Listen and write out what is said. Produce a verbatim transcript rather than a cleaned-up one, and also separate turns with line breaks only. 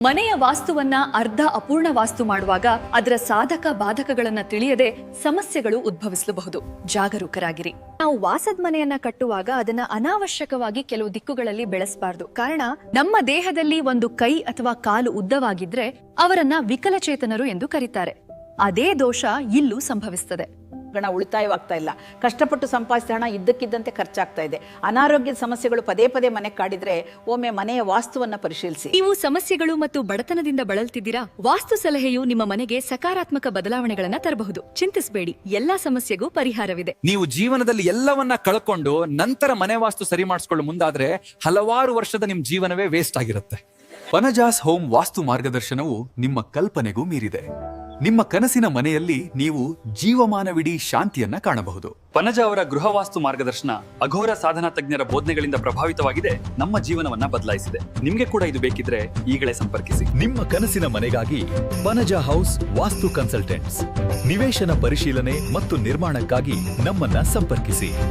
ಮನೆಯ ವಾಸ್ತುವನ್ನ ಅರ್ಧ ಅಪೂರ್ಣ ವಾಸ್ತು ಮಾಡುವಾಗ ಅದರ ಸಾಧಕ ಬಾಧಕಗಳನ್ನ ತಿಳಿಯದೆ ಸಮಸ್ಯೆಗಳು ಉದ್ಭವಿಸಲಬಹುದು. ಜಾಗರೂಕರಾಗಿರಿ. ನಾವು ವಾಸದ ಮನೆಯನ್ನ ಕಟ್ಟುವಾಗ ಅದನ್ನ ಅನಾವಶ್ಯಕವಾಗಿ ಕೆಲವು ದಿಕ್ಕುಗಳಲ್ಲಿ ಬೆಳೆಸಬಾರದು. ಕಾರಣ ನಮ್ಮ ದೇಹದಲ್ಲಿ ಒಂದು ಕೈ ಅಥವಾ ಕಾಲು ಉದ್ದವಾಗಿದ್ರೆ ಅವರನ್ನ ವಿಕಲಚೇತನರು ಎಂದು ಕರೀತಾರೆ. ಅದೇ ದೋಷ ಇಲ್ಲೂ ಸಂಭವಿಸುತ್ತದೆ.
ಹಣ ಉಳಿತಾಯವಾಗ್ತಾ ಇಲ್ಲ, ಕಷ್ಟಪಟ್ಟು ಸಂಪಾದಿಸಿದ ಹಣ ಇದ್ದಕ್ಕಿದ್ದಂತೆ ಖರ್ಚಾಗ್ತಾ ಇದೆ. ಅನಾರೋಗ್ಯದ ಸಮಸ್ಯೆಗಳು ಪದೇ ಪದೇ ಮನೆ ಕಾಡಿದ್ರೆ ಒಮ್ಮೆ ಮನೆಯ ವಾಸ್ತುವನ್ನ ಪರಿಶೀಲಿಸಿ.
ನೀವು ಸಮಸ್ಯೆಗಳು ಮತ್ತು ಬಡತನದಿಂದ ಬಳಲ್ತಿದ್ದೀರಾ? ವಾಸ್ತು ಸಲಹೆಯು ನಿಮ್ಮ ಮನೆಗೆ ಸಕಾರಾತ್ಮಕ ಬದಲಾವಣೆಗಳನ್ನ ತರಬಹುದು. ಚಿಂತಿಸಬೇಡಿ, ಎಲ್ಲಾ ಸಮಸ್ಯೆಗೂ ಪರಿಹಾರವಿದೆ.
ನೀವು ಜೀವನದಲ್ಲಿ ಎಲ್ಲವನ್ನ ಕಳ್ಕೊಂಡು ನಂತರ ಮನೆ ವಾಸ್ತು ಸರಿ ಮಾಡಿಸ್ಕೊಳ್ಳೋ ಮುಂದಾದ್ರೆ ಹಲವಾರು ವರ್ಷದ ನಿಮ್ ಜೀವನವೇ ವೇಸ್ಟ್ ಆಗಿರುತ್ತೆ.
ಪನಜಾಸ್ ಹೋಮ್ ವಾಸ್ತು ಮಾರ್ಗದರ್ಶನವು ನಿಮ್ಮ ಕಲ್ಪನೆಗೂ ಮೀರಿದೆ. ನಿಮ್ಮ ಕನಸಿನ ಮನೆಯಲ್ಲಿ ನೀವು ಜೀವಮಾನವಿಡೀ ಶಾಂತಿಯನ್ನ ಕಾಣಬಹುದು.
ಪನಜ ಅವರ ಗೃಹ ವಾಸ್ತು ಮಾರ್ಗದರ್ಶನ ಅಘೋರ ಸಾಧನಾ ತಜ್ಞರ ಬೋಧನೆಗಳಿಂದ ಪ್ರಭಾವಿತವಾಗಿದೆ, ನಮ್ಮ ಜೀವನವನ್ನ ಬದಲಾಯಿಸಿದೆ. ನಿಮ್ಗೆ ಕೂಡ ಇದು ಬೇಕಿದ್ರೆ ಈಗಲೇ ಸಂಪರ್ಕಿಸಿ.
ನಿಮ್ಮ ಕನಸಿನ ಮನೆಗಾಗಿ ಪನಜ ಹೌಸ್ ವಾಸ್ತು ಕನ್ಸಲ್ಟೆಂಟ್ಸ್. ನಿವೇಶನ ಪರಿಶೀಲನೆ ಮತ್ತು ನಿರ್ಮಾಣಕ್ಕಾಗಿ ನಮ್ಮನ್ನ ಸಂಪರ್ಕಿಸಿ.